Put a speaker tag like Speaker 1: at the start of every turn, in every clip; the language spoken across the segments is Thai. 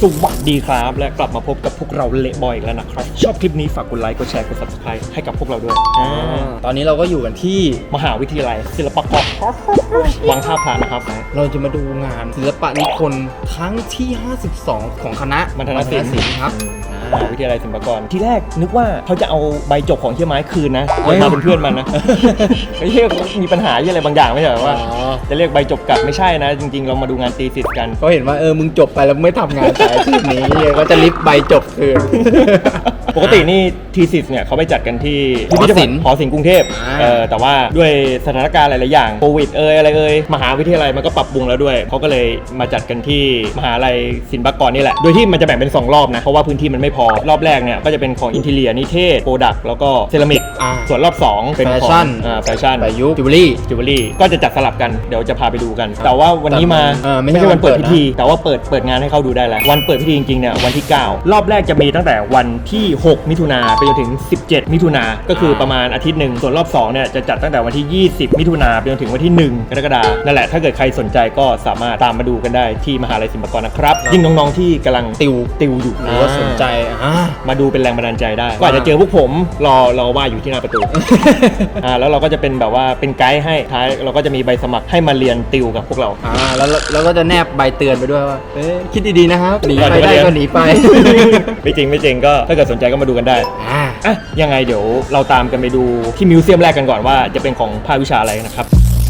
Speaker 1: สวัสดีครับและกลับมาพบกับพวกเราเละบอยอีกแล้วนะครับชอบคลิปนี้ฝากกดไลค์กดแชร์กด Subscribe ให้กับพวกเราด้วย
Speaker 2: ตอนนี้เราก็อยู่กันที่
Speaker 1: มหาวิทยาลัยศิลปากรวังท่าพระนะครับ
Speaker 2: เราจะมาดูงานศิลปะนิพนธ์ครั้งที่ 52 ของคณะ
Speaker 1: มัณฑนศิลป์
Speaker 2: ครับ
Speaker 1: มหาวิทยาลัยศิลปากรที่แรกนึกว่าเขาจะเอาใบจบของเฮียไม้คืนนะมาเป็นเพื่อนมันนะไม่ใช่มีปัญหาอะไรบางอย่างไม่ใช่หรอว่าจะเรียกใบจบกลับไม่ใช่นะจริงๆเรามาดูงานตีสิทธิ์กัน
Speaker 2: ก็เห็นว่ามึงจบไปแล้วไม่ทำงานสายอาชีพนี้ก็จะริบใบจบคืน
Speaker 1: ปกตินี่ทีสิทธิ์เนี่ยเขาไปจัดกันที่หอศิลป์กรุงเทพแต่ว่าด้วยสถานการณ์หลายๆอย่างโควิดอะไรมหาวิทยาลัยมันก็ปรับปรุงแล้วด้วยเขาก็เลยมาจัดกันที่มหาลัยศิลปากรนี่แหละโดยที่มันจะแบ่งเป็น2รอบนะเพราะว่าพื้นที่มันไม่พอรอบแรกเนี่ยก็จะเป็นของอินทีเรียนิเทศโปรดักต์แล้วก็เซรามิกส่วนรอบ2เป็นของแฟชั่น
Speaker 2: ประยุกต์จิวเวลรี่
Speaker 1: ก็จะจัดสลับกันเดี๋ยวจะพาไปดูกันแต่ว่าวันนี้มาไม่ใช่วันเปิดพิธีแต่ว่าเปิดงานให้เข้าดูได้แล้ววันเปิดพิธีจริงๆเนี่ยวันที่9รอบแรกจะมีตั้งแต่วันที่6มิถุนาไปจนถึง17มิถุนาก็คือประมาณอาทิตย์หนึ่งส่วนรอบ2เนี่ยจะจัดตั้งแต่วันที่20มิถุนาไปจนถึงวันที่1กรกฎาคมนั่นแหละถ้าเกิดใครสนใจก็สามารถตามมาดูกันได้ที่มหาลัยศิลปากรนะครับยิ่งน้องๆที่กำลังติวอยู่
Speaker 2: หรือว่าสนใจ
Speaker 1: มาดูเป็นแรงบันดาลใจได้ก็อาจจะเจอพวกผมรอว่าอยู่ที่หน้าประตูแล้วเราก็จะเป็นแบบว่าเป็นไกด์ให้ท้ายเราก็จะมีใบสมัครให้มาเรียนติวกับพวกเรา
Speaker 2: แล้วก็จะแนบใบเตือนไปด้วยว่าคิดดีๆนะครับหนีไปได้ก็หนีไป
Speaker 1: ไม่จริงก็ถ้าเกิดสนใจก็มาดูกันได้ยังไงเดี๋ยวเราตามกันไปดูที่มิวเซียมแรกกันก่อนว่าจะเป็นของภาควิชาอะไรนะครับ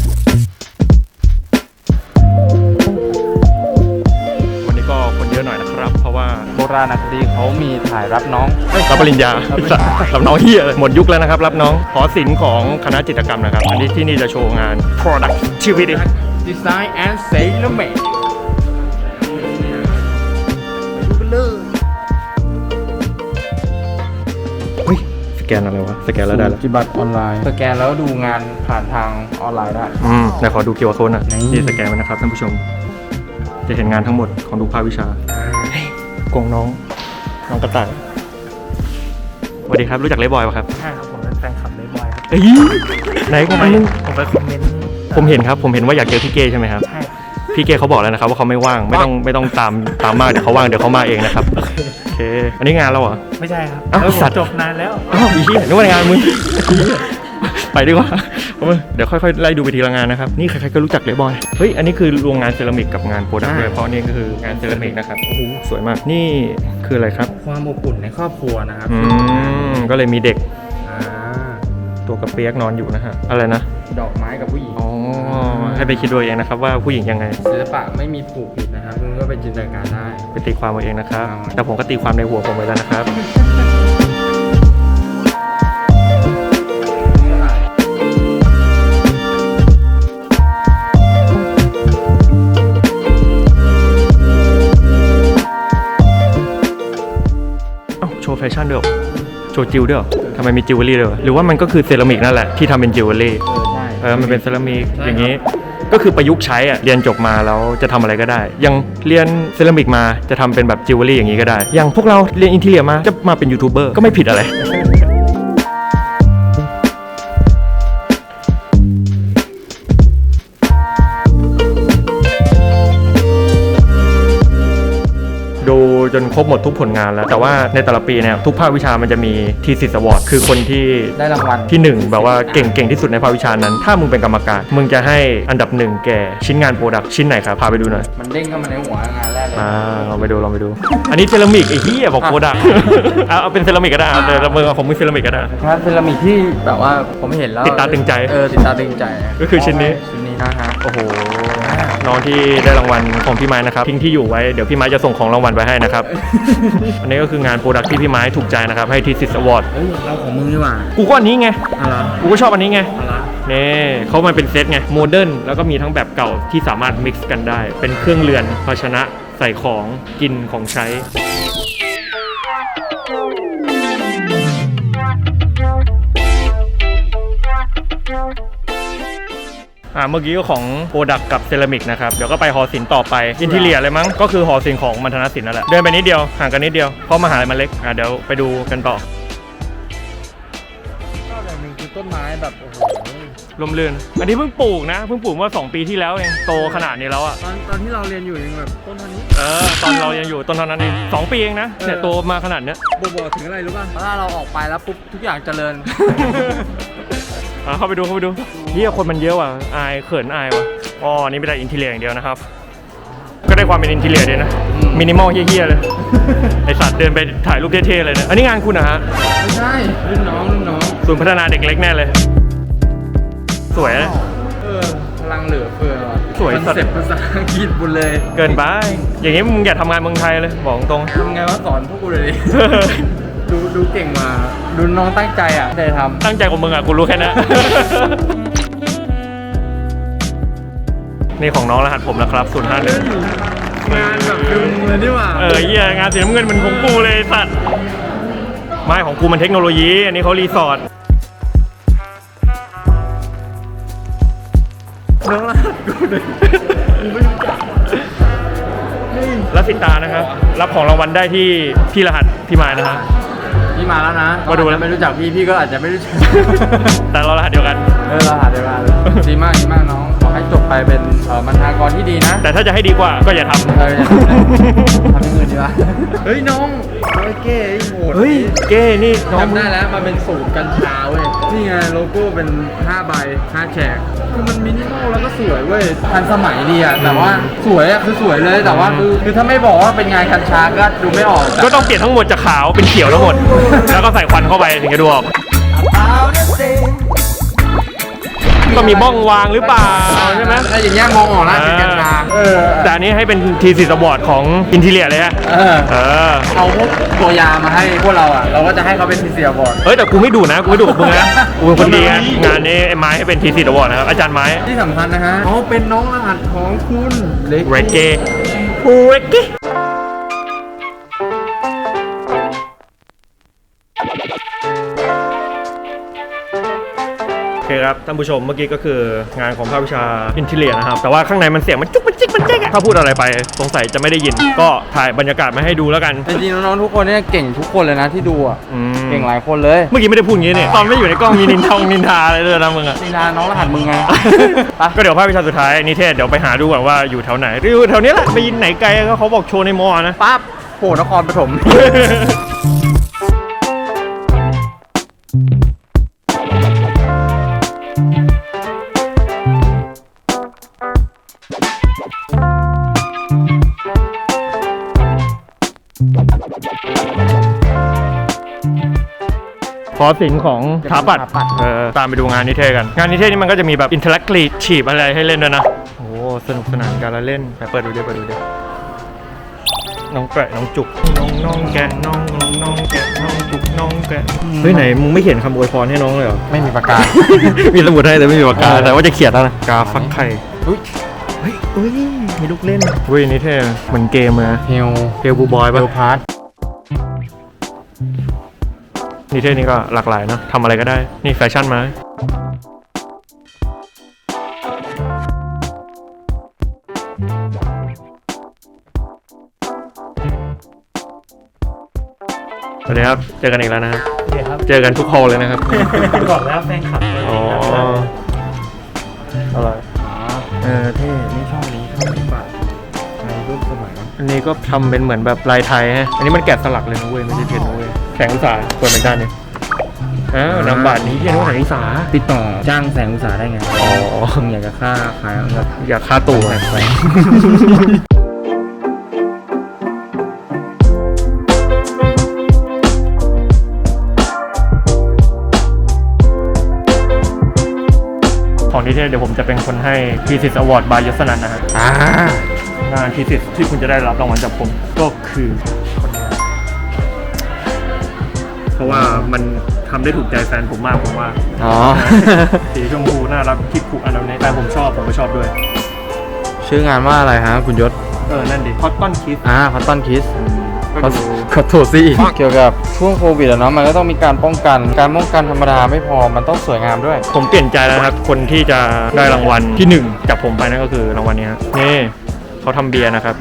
Speaker 1: วันนี้ก็คนเยอะหน่อยนะครับเพราะว่า
Speaker 2: โบราณคดีเขามีถ่ายรับน้อง
Speaker 1: รับปริญญารับน้องเฮียหมดยุคแล้วนะครับรับน้องหอศิลป์ของคณะจิตรกรรมนะครับอันนี้ที่นี่จะโชว์งาน productivity
Speaker 2: design and ceramic
Speaker 1: สแกนอะไรวะสแกนแล้วได้แล้ว
Speaker 2: ปฏิบัติออนไลน์สแกนแล้วดูงานผ่านทางออนไลน์ได้
Speaker 1: เดี๋ยวขอดู QR code นะนี่สแกนไปนะครับท่านผู้ชมจะเห็นงานทั้งหมดของทุกภาควิชากงน้องกระต่ายสวัสดีครับรู้จักเลย์บอยป่ะครับ
Speaker 3: ใช่ครับผมเป็นแฟนคลับเลย์บอยครับ
Speaker 1: ไหนผม
Speaker 3: ไปคอมเมนต์
Speaker 1: ผมเห็นครับผมเห็นว่าอยากเจอพี่เก้ใช่ไหมครับ
Speaker 3: ใช่
Speaker 1: พี่เก้เขาบอกแล้วนะครับว่าเขาไม่ว่างไม่ต้องตามมากเดี๋ยวเขาว่างเดี๋ยวเขามาเองนะครับโอเคอันนี้งานเราเหรอ
Speaker 3: ไม่ใช่ครับ
Speaker 1: สัตว์
Speaker 3: จบนานแล้ว
Speaker 1: อีเหี้ยนึกว่างานมึงไปดีกว่าเดี๋ยวค่อยๆไล่ดูไปทีละงานนะครับนี่ใครๆก็รู้จักเลย์บอยเฮ้ยอันนี้คือโรงงานเซรามิกกับงานโปรดักต์ด้วยเพราะนี่ก็คืองานเซรามิกนะครับโอ้โหสวยมากนี่คืออะไรครับ
Speaker 2: ความอบอุ่นในครอบครัวนะครับ
Speaker 1: ก็เลยมีเด็กตัวกระเปียกนอนอยู่นะฮะอะไรนะ
Speaker 2: ดอกไม้กับผู้หญิง
Speaker 1: ให้ไปคิดดูเองนะครับว่าผู้หญิงยังไง
Speaker 2: ศิลปะไม่มีถูกผิดนะครับคุณก็ไปจินตนาการได้
Speaker 1: ไปตีความเอาเองนะครับแต่ผมก็ตีความในหัวผมไว้แล้วนะครับโชว์แฟชั่นด้วยโชว์จิวด้วยทำไมมีจิวเวลรี่ด้วยหรือว่ามันก็คือเซรามิกนั่นแหละที่ทำเป็นจิวเวลรี่มันเป็นเซรามิกอย่างนี้ก็คือประยุกต์ใช้เรียนจบมาแล้วจะทำอะไรก็ได้ยังเรียนเซรามิกมาจะทำเป็นแบบจิวเวลรี่อย่างนี้ก็ได้อย่างพวกเราเรียนอินทีเรียมาจะมาเป็นยูทูบเบอร์ก็ไม่ผิดอะไรดูจนครบหมดทุกผลงานแล้วแต่ว่าในแต่ละปีเนี่ยทุกภาควิชามันจะมีทีสิทธิ์อวอร์ดคือคนที่
Speaker 2: ได้รางวัล
Speaker 1: ที่1แบบว่าเก่งที่สุดในภาควิชานั้นถ้ามึงเป็นกรรมการมึงจะให้อันดับ1แก่ชิ้นงานโปรดักต์ชิ้นไหนครับพาไปดูหน่อย
Speaker 2: มันเด้งเข้ามาในหัวงานแรกเลย
Speaker 1: ลองไปดูอันนี้เซรามิกไอ้เหี้ยบอกโปรดักต์เอาเป็นเซรามิกก็ได้แต่มือของมึงเซรามิกก็ได้
Speaker 2: งานเซรามิกที่แบบว่าผมเห็นแล้ว
Speaker 1: ติดตาตึงใจ
Speaker 2: ติดตาตึงใจ
Speaker 1: ก็คือชิ้นนี้
Speaker 2: นะฮะ
Speaker 1: โอ้โหน้องที่ได้รางวัลของพี่ไม้นะครับทิ้งที่อยู่ไว้เดี๋ยวพี่ไม้จะส่งของรางวัลไปให้นะครับ อันนี้ก็คืองานโปรดักต์ที่พี่ไม้ถูกใจนะครับให้ทีสิทธิ์อวอร์ด
Speaker 2: เราของมึงดีกว่า
Speaker 1: กูก็อันนี้ไงกูก็ชอบอันนี้ไงนี่เขามันเป็นเซตไงโมเดิร์นแล้วก็มีทั้งแบบเก่าที่สามารถมิกซ์กันได้เป็นเครื่องเรือนภาชนะใส่ของกินของใช้เมื่อกี้ก็ของโปรดักต์กับเซรามิกนะครับเดี๋ยวก็ไปหอศิลป์ต่อไปอินทีเรียเลยมั้งก็คือหอศิลป์ของมัณฑนศิลป์นั่นแหละเดินไปนิดเดียวห่างกันนิดเดียวเพราะมหาลัยมันเล็กเดี๋ยวไปดูกันต่อ
Speaker 2: ชอบอย่างหนึ่งคือต้นไม้แบบโอ้โห
Speaker 1: ลมเรือนอันนี้เพิ่งปลูกนะเพิ่งปลูกเมื่อ2 ปีที่แล้วเองโตขนาดนี้แล้วอะ
Speaker 2: ตอนที่เราเรียนอยู่ยังแบบต้นเท่านี้
Speaker 1: ตอนเรายังอยู่ต้นเท่านั้นเอง2 ปีเองนะเนี่ยโตมาขนาดเนี้ย
Speaker 2: บอกถึงอะไรรู้ป่ะถ้าเราออกไปแล้วปุ๊บทุกอย่างเจริญ
Speaker 1: เข้าไปดูเฮียคนมันเยอะว่ะอายเขินอายว่ะอ๋อนี่ไม่ได้อินทีเรียอย่างเดียวนะครับก็ได้ความเป็นอินทีเรียด้วยนะมินิมอลเฮี้ยๆเลย ไอสัตว์เดินไปถ่ายรูปเท่ๆเลยนะอันนี้งานคุณนะฮะ
Speaker 2: ไม่ใช่รุ่นน้อง
Speaker 1: ศูนย์พัฒนาเด็กเล็กแน่เลย สวยนะ
Speaker 2: พลังเหลือเฟือว่ะ
Speaker 1: สวยสัตว์
Speaker 2: คอนเซ็ปต์ภาษาอังกฤษบุญเลย
Speaker 1: เกินไปอย่างงี้มึงอย่าทำงานเมืองไทยเลยบอกตรง
Speaker 2: ทำไงว่าสอนพวกกูเลยดิ ดูเก่งมาดูน้องตั้งใจอ่ะได้ทำ
Speaker 1: ตั้งใจของมึงอ่ะกูรู้แค่นั้น นี่ของน้องรหัสผมนะครับ051
Speaker 2: งานแบบดึงเลยนี่หว่า
Speaker 1: เหี้ยงานสีน้ำเงินมันของกูเลยสัตว์ไม่ของกูมันเทคโนโลยีอันนี้เขารีสอร์ท
Speaker 2: น้องรหัสกูเลยกูไม่รู้จัก
Speaker 1: รับสิตานะครับรับของรางวัลได้ที่พี่รหัสพี่มายนะครับ
Speaker 2: พี่มาแล้วนะ
Speaker 1: มาดูแล้ว
Speaker 2: ไม่รู้จักพี่ก็อาจจะไม่รู้จัก
Speaker 1: แต่เรารหัสเดียวกัน
Speaker 2: รหัสเดียวกันดีมากน้องขอให้จบไปเป็นบรรณาธิการที่ดีนะ
Speaker 1: แต่ถ้าจะให้ดีกว่าก็อย่าทำ
Speaker 2: อย่าทำนะทำอย่างอื่นดีกว่าเฮ้ยน้องเก้โหด
Speaker 1: เฮ้ยเก้นี่น้อง
Speaker 2: จำได้แล้วมันเป็นสูตรกัญชาเว้ยนี่ไงโลโก้เป็น5 ใบ 5 แฉกคือมันมินิมอลแล้วก็สวยเว้ยทันสมัยดีอะแต่ว่าสวยอะคือสวยเลยแต่ว่าคือถ้าไม่บอกว่าเป็นงานกัญชาก็ดูไม่ออก
Speaker 1: ก็ต้องเปลี่ยนทั้งหมดจากขาวเป็นเขียวทั้งหมด แล้วก็ใส่ควันเข้าไปถึงจะดูออกก็มีบ้องวางหรือเปล่าใช่ไหม
Speaker 2: ถ้าอย่างเงี้ยมองออกนะเป็นกัญชา
Speaker 1: แต่อันนี้ให้เป็นทีสิสบอร์ดของอินทีเรียเลยฮะ
Speaker 2: เอาพวกตัวยามาให้พวกเราอ่ะเราก็จะให้เขาเป็นทีเซียบอร์ด
Speaker 1: แต่กูไม่ดูนะกูไม่ดูกับมึงนะกูเป็นคนดีนะงานนี้ไอ้ไม้ให้เป็นทีสิสบอร์ดนะครับอาจารย์ไม้
Speaker 2: ที่สำคัญนะฮะเป็นน้องรหัสของคุณ
Speaker 1: เรเก้โอเคครับท่านผู้ชมเมื่อกี้ก็คืองานของภาควิชาอินทีเรียนะครับแต่ว่าข้างในมันเสียงมันจุกมันจิกมันเจ๊กถ้าพูดอะไรไปสงสัยจะไม่ได้ยินก็ถ่ายบรรยากาศมาให้ดูแล้วกัน
Speaker 2: จริงๆน้องๆทุกคนเนี่ยเก่งทุกคนเลยนะที่ดูอ่ะเก่งหลายคนเลย
Speaker 1: เมื่อกี้ไม่ได้พูดอย่างนี้เนี่ยตอนไม่อยู่ในกล้องมีนินทาอะไรเลยนะมึงอะ
Speaker 2: นินทาน้องรหัสมึงไง
Speaker 1: ก็เดี๋ยวภาควิชาสุดท้ายนิเทศเดี๋ยวไปหาดูก่อนว่าอยู่แถวไหนอยู่แถวนี้แหละไปยินไหนไกลก็เขาบอกโชว์ในมอนะ
Speaker 2: ปั๊บโผล่นครปฐม
Speaker 1: ขอสิงของสถาปัตย์ตามไปดูงานนิเทศกันงานนิเทศนี่มันก็จะมีแบบอินเทอร์แอคทีฟอะไรให้เล่นด้วยนะโอ้สนุกสนานการละเล่นไปเปิดดูดิน้องแกะน้องจุกน้องแกะน้องแกะน้องจุกน้องแกะเฮ้ยไหนมึงไม่เขียนคำอวยพรให้น้องเลยเหรอ
Speaker 2: ไม่มีปากกา
Speaker 1: มีสมุดให้แต่ไม่มีปากกาแต่ว่าจะเขียนแล้วนะกาฟักไข่เฮ้ยมีลูกเล่นนิเทศเหมือนเกมนะ
Speaker 2: เฮล
Speaker 1: บูบอยป่ะ
Speaker 2: เฮลพาร์ท
Speaker 1: นิเทศนี่ก็หลากหลายเนาะทำอะไรก็ได้นี่แฟชั่นมาสวัสดีครับเจอกันอีกแล้วนะครับเจอกันทุกฮอลเลยนะครับ
Speaker 3: ก่อนแล้วแฟนคลับ
Speaker 1: อ๋ออะไร
Speaker 2: เท่นี่ชอบนี้ชอบแบบในรูปสมัย
Speaker 1: อันนี้ก็ทำเป็นเหมือนแบบลายไทยฮะอันนี้มันแกะสลักเลยนะเว้ยไม่ใช่เพนนะเว้ยแสงอุตสาหเปิดเหมือนกันเนี่ยนำบัตรนี้เรียกว่าแสงอุตสาห
Speaker 2: ติดต่อจ้างแสงอุตสาหได้ไงมึงอยากจะค่าขายแบบ
Speaker 1: อยากค่าตั๋วของนิเทศเดี๋ยวผมจะเป็นคนให้ทีสิสอวอร์ดบายยศนันท์นะฮะงานทีสิสที่คุณจะได้รับรางวัลจากผมก็คือเพราะว่ามันทำได้ถูกใจแฟนผมมากผมว่าสีชมพูน่ารักคิดผูกอันนั้นแฟนผมชอบผมก็ชอบด้วย
Speaker 2: ชื่องานว่าอะไรฮะคุณยศ
Speaker 1: นั่นดิคอตตอนคิส
Speaker 2: คอตตอนคิสขอโทษสิเกี่ยวกับช่วงโควิดอะเนาะมันก็ต้องมีการป้องกันธรรมดาไม่พอมันต้องสวยงามด้วย
Speaker 1: ผมเปลี่ยนใจแล้วครับคนที่จะได้รางวัลที่1จากผมไปนั่นก็คือรางวัลนี้นี่เขาทำเบียร์นะครับ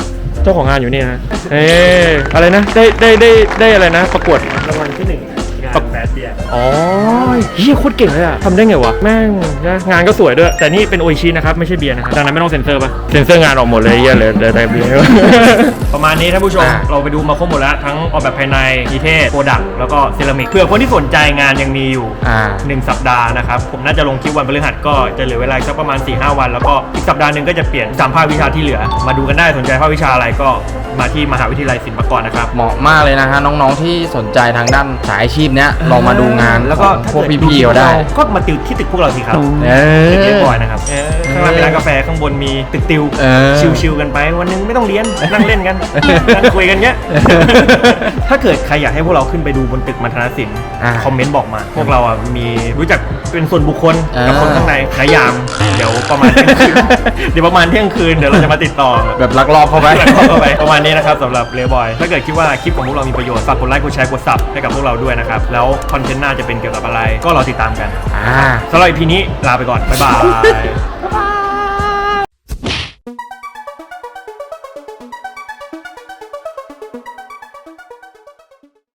Speaker 1: เจ้าของงานอยู่นี่นะอะไรนะได้อะไรนะประกวดรางวัลที่1งาน
Speaker 3: แบดเบียร์
Speaker 1: อ๋อเฮียโคตรเก่งเลยอะทำได้ไงวะแม่งนะงานก็สวยด้วยแต่นี่เป็นโออิชินะครับไม่ใช่เบียร์นะครับดังนั้นไม่ต้องเซ็นเซอร์ป่ะเซ็นเซอร์งานออกหมดเลยเฮียเลยแต่เบียร์ ประมาณนี้ท่านผู้ชมเราไปดูมาครบหมดแล้วทั้งออกแบบภายในนิเทศโปรดักต์แล้วก็เซรามิกเผื่อคนที่สนใจงานยังมีอยู่ 1 สัปดาห์นะครับผมน่าจะลงคลิปวันพฤหัสก็จะเหลือเวลาสักประมาณ 4-5 วันแล้วก็อีกสัปดาห์หนึ่งก็จะเปลี่ยน3ภาควิชาที่เหลือมาดูกันได้สนใจภาควิชาอะไรก็มาที่มหาวิทยาลัยศิลปากรนะครับ
Speaker 2: เหมาะมากเลยนะฮะน้องๆที่สนใจทางด้านสายอาชีพเนี้ยลองมาดูงาน
Speaker 1: แล้วก็
Speaker 2: พวกพี่ๆเขาได้
Speaker 1: ก็มาติวที่ตึกพวกเราสิครับ ตึกเรียบร้อยนะครับข้างล่างเป็นร้านกาแฟข้างบนมีตึกติวชิลๆกันไปวันหนึงไม่ต้องเรียนนั่งเล่นกันนั่งคุยกันเงี้ย ถ้าเกิดใครอยากให้พวกเราขึ้นไปดูบนตึกมัณฑนศิลป์คอมเมนต์บอกมา พวกเราอ่ะมีรู้จักเป็นส่วนบุคคลกับคนข้างในนายามเดี๋ยวประมาณเที่ยงคืน เดี๋ยวประมาณเที่ยงคืนเดี๋ยวเราจะมาติดต่อ
Speaker 2: แบบลักลอบเข้าไป
Speaker 1: ประมาณนี้นะครับสำหรับเลบอยถ้าเกิดคิดว่าคลิปของพวกเรามีประโยชน์ฝากกดไลค์กดแชร์กดซับให้กับพวกเราด้วยนะครับแล้วคอนเทนต์หน้าจะเป็นเกี่ยวกับอะไรก็รอติดตามกันสำหรับ EP นี้ลาไปก่อนบ๊ายบาย